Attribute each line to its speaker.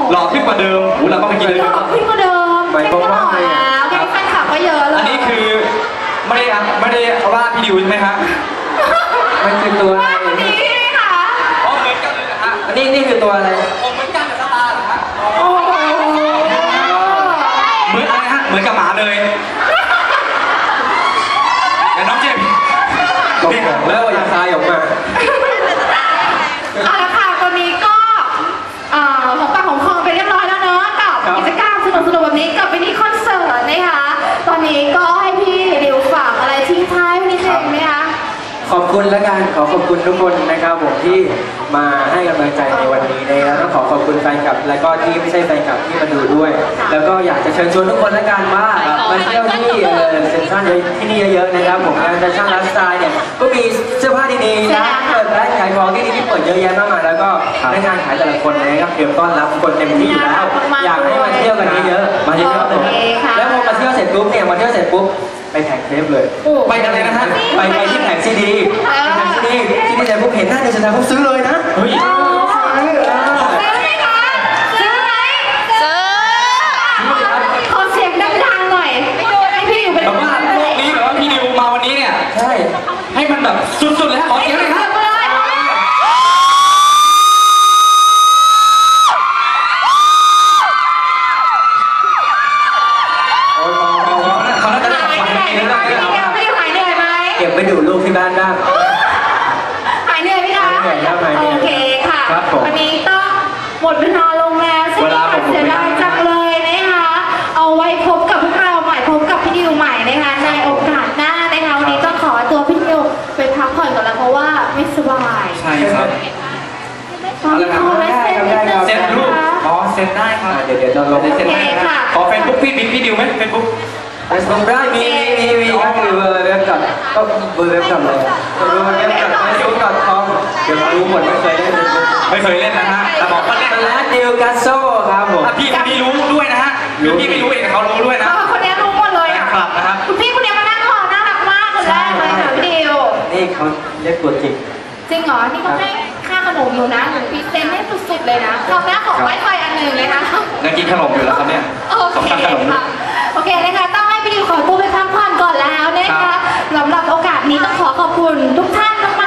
Speaker 1: หล่อขึ้นกว่าเดิมเราก็ไปกินเลย
Speaker 2: หล่อขึ้นกว่าเดิมไม่หล่อแล้วแค่แฟนคลับก็เยอะเลย
Speaker 1: อันนี้คือไม่ได้ว่าพี่ดิวใช่ไหมฮะ
Speaker 3: มันคือตัวอะไร
Speaker 2: วันนี้ค่ะ
Speaker 1: อ๋อเหมือนกันเลยนะฮะ
Speaker 3: อันนี้คือตัวอะไร
Speaker 1: ผมเหมือนกันกับตาเหรอฮะ
Speaker 2: โอ้โห
Speaker 1: เหมือนอะไรฮะเหมือนกับหมาเลยอย่าน้องเจ็บ
Speaker 3: ก็บอกแล้วว่าอย่าคายออกมา
Speaker 2: เอาละค่ะตอนนี้ก็ของปากของคอไปเรียบร้อยแล้วเนาะกับกิจกรรมสนุกๆแบบนี้กับมินิคอนเสิร์ตนะคะตอนนี้ก็ให้พี่ดิวฝากอะไรทิ้งท้ายนิดนึงไหมคะ
Speaker 3: ขอบคุณและกันขอขอบคุณทุกคนนะครับผมที่มาให้กำลังใจในวันนี้นะครับต้องขอขอบคุณแฟนคลับและก็ที่ไม่ใช่แฟนคลับที่มาดูด้วย แล้วก็อยากจะเชิญชวนทุกคนและกันว่ามาเที่ยวที่เซ็นทรัลที่นี่เยอะๆนะครับผมงานแฟชั่นไลฟ์สไตล์เนี่ยก็มีเสื้อผ้าดีๆนะเปิดร้านขายของที่ดีที่เปิดเยอะแยะมากมายแล้วก็พนักงานขายแต่ละคนนะครับเตรียมต้อนรับคนเต็มที่อยู่แล้วอยากให้มาเที่ยวกันเยอะๆมาเยอะๆผมแล้วพอมาเที่ยวเสร็จปุ๊บเนี่ยมาเที่ยวเสร็จปุ๊บไปแผงเทปเลยไปอะไรนะฮะไปที่แผงซีดีที่นี่แต่ผมเห็นหน้าเดชนาผมซื้อเลยนะเฮ้ย
Speaker 2: ซื้อไหมคะซื้อไหมซื้อขอเสียงดังๆหน่อยให้พี่อยู่เป็น
Speaker 1: แบบว่าโลกนี้แบบว่าพี่ดิวมาวันนี้เนี่ย
Speaker 3: ใช่
Speaker 1: ให้มันแบบสุดๆเลยฮะขอเสียงหน่อยครับเขาน่าจะได้ของขวัญในนี้แล้ว
Speaker 2: พี่ดิวหายเหนื่อยไหม
Speaker 3: เก็บไปดูลูกที่บ้านบ้าง
Speaker 2: หายเหนื่อยไหมคะโอเคค่ะวันนี้ต้องหมดเวลาลงแล้วซึ่งเสียดายจังเลยนะคะเอาไว้พบกับพวกเราใหม่พบกับพี่ดิวใหม่นะคะในโอกาสหน้านะคะวันนี้ต้องขอตัวพี่ดิวไปพักผ่อนก่อนแล้วเพราะว่าไม่สบาย
Speaker 1: ใช่ครับ
Speaker 2: ตอนนี้ขอไว้เซ็นนิดนึง
Speaker 1: เซ็นรูปอ๋อเซ็นได้ครับ
Speaker 3: เดี๋ยวเราลง
Speaker 1: เซ็นได้ครับขอเฟซบุ๊กพี่ดิวไหมเฟซบุ๊ก
Speaker 3: ไปส่งได้มีก็คือเบอร์เว็บก่อนก็เบอร์เว็บก่อนเลยเบอร์เว็บก่อน facebook.com เดี๋ยวรู้หมดไม่เคยเล่น
Speaker 1: ไม่เคยเล่นนะฮะแต่บอกว่าเล่น
Speaker 3: เป็นร้านดิวกัสโซ่ครับผม
Speaker 1: พี่คนนี้รู้ด้วยนะฮะหรือพี่ไม่รู้เองแต่เขารู้ด้วยนะ
Speaker 2: คนนี้รู้หมดเลยอ่ะ
Speaker 1: ครับนะครับ
Speaker 2: คุณพี่คนนี้มานั่งรอน่ารักมากคนแรกเลยค่ะพี่ดิว
Speaker 3: นี่เขาเรียกตัวจริง
Speaker 2: จริงเหรอนี่เขาให้ค่าขนมอยู่นะหนูพรีเซนต์ให้สุดๆเลยนะคราวหน้าขอไว้ไฟอันหนึ่งเลยนะ
Speaker 1: ยังกินขนมอยู่แล้วครับเนี่ย
Speaker 2: โอเคค่ะโอเคนะคะต้องให้พี่ดิวขอตัวไปพักผ่อนก่อนแล้วนะคะสำหรับโอกาสนี้ต้องขอขอบคุณทุกท่านม